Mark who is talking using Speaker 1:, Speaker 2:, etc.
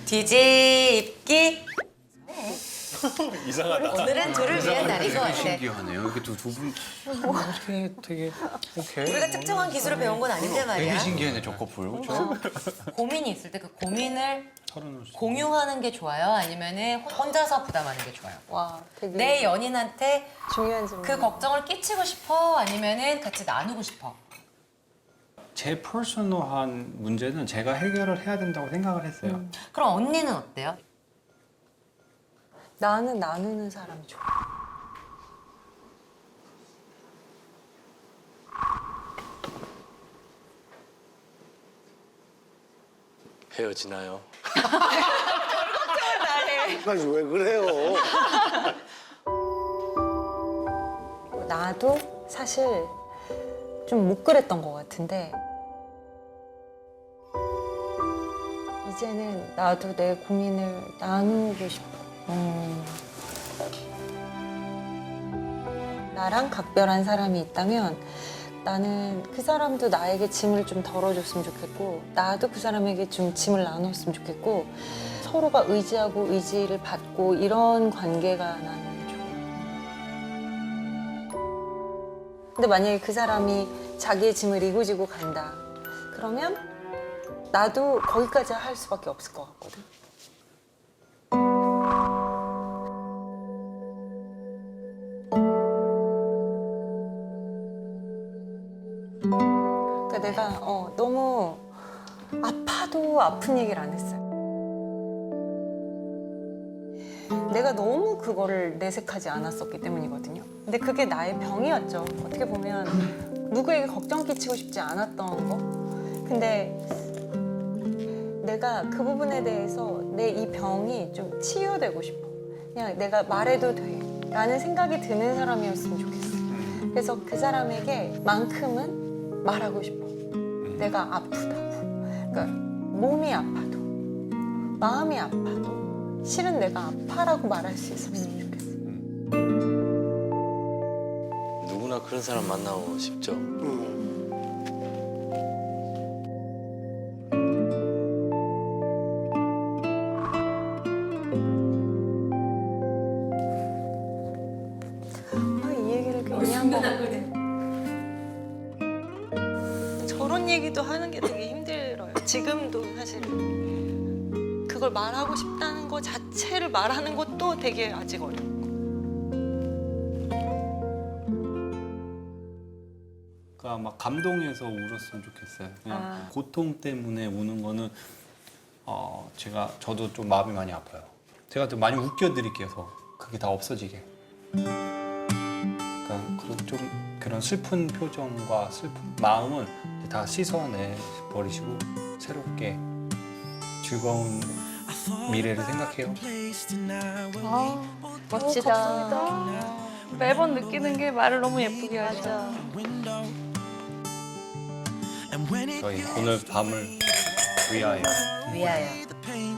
Speaker 1: 뒤집기.
Speaker 2: 이상하다.
Speaker 1: 오늘은 둘을 위한 날인 것 같아.
Speaker 3: 신기하네요. 이렇게 두 분. 되게 오케이.
Speaker 1: 우리가 특정한 기술을 배운 건 아닌데
Speaker 3: 되게
Speaker 1: 말이야.
Speaker 3: 신기하네 저 커플. 그렇죠?
Speaker 1: 고민이 있을 때 그 고민을
Speaker 3: 털어놓을 수.
Speaker 1: 공유하는 게 좋아요? 아니면은 혼자서 부담하는 게 좋아요?
Speaker 4: 와, 되게
Speaker 1: 내 연인한테
Speaker 4: 중요한 질문.
Speaker 1: 그 걱정을 끼치고 싶어? 아니면은 같이 나누고 싶어?
Speaker 3: 제 퍼스널한 문제는 제가 해결을 해야 된다고 생각을 했어요.
Speaker 1: 그럼 언니는 어때요?
Speaker 4: 나는 나누는 사람이 좋아.
Speaker 2: 헤어지나요?
Speaker 5: 아니 왜 그래요?
Speaker 4: 나도 사실 좀 못 그랬던 것 같은데 이제는 나도 내 고민을 나누고 싶어. 나랑 각별한 사람이 있다면 나는 그 사람도 나에게 짐을 좀 덜어줬으면 좋겠고 나도 그 사람에게 좀 짐을 나눴으면 좋겠고 서로가 의지하고 의지를 받고 이런 관계가 나는 좋아. 근데 만약에 그 사람이 자기의 짐을 이고지고 간다. 그러면 나도 거기까지 할 수밖에 없을 것 같거든. 그러니까 내가 너무 아파도 아픈 얘기를 안 했어요. 내가 너무 그거를 내색하지 않았었기 때문이거든요. 근데 그게 나의 병이었죠. 어떻게 보면 누구에게 걱정 끼치고 싶지 않았던 거. 근데 내가 그 부분에 대해서 내 이 병이 좀 치유되고 싶어. 그냥 내가 말해도 돼 라는 생각이 드는 사람이었으면 좋겠어. 그래서 그 사람에게 만큼은 말하고 싶어. 내가 아프다고. 그러니까 몸이 아파도 마음이 아파도 실은 내가 아파라고 말할 수 있었으면 좋겠어.
Speaker 2: 누구나 그런 사람 만나고 싶죠.
Speaker 4: 이 얘기를 괜히 한 거 같아. 저런 얘기도 하는 게 되게 힘들어요. 지금도 사실 그걸 말하고 싶다는 거 자체를 말하는 것도 되게 아직 어려워.
Speaker 3: 그러니까 막 감동해서 울었으면 좋겠어요. 그냥 고통 때문에 우는 거는 저도 좀 마음이 많이 아파요. 제가 좀 많이 웃겨드릴게요. 그게 다 없어지게. 그러니까 그런 슬픈 표정과 슬픈 마음은 다 씻어내 버리시고 새롭게 즐거운 미래를 생각해요.
Speaker 6: 멋지다. 매번 느끼는 게 말을 너무 예쁘게 하죠.
Speaker 3: 저희 오늘 밤을 위하여.
Speaker 1: 위하여.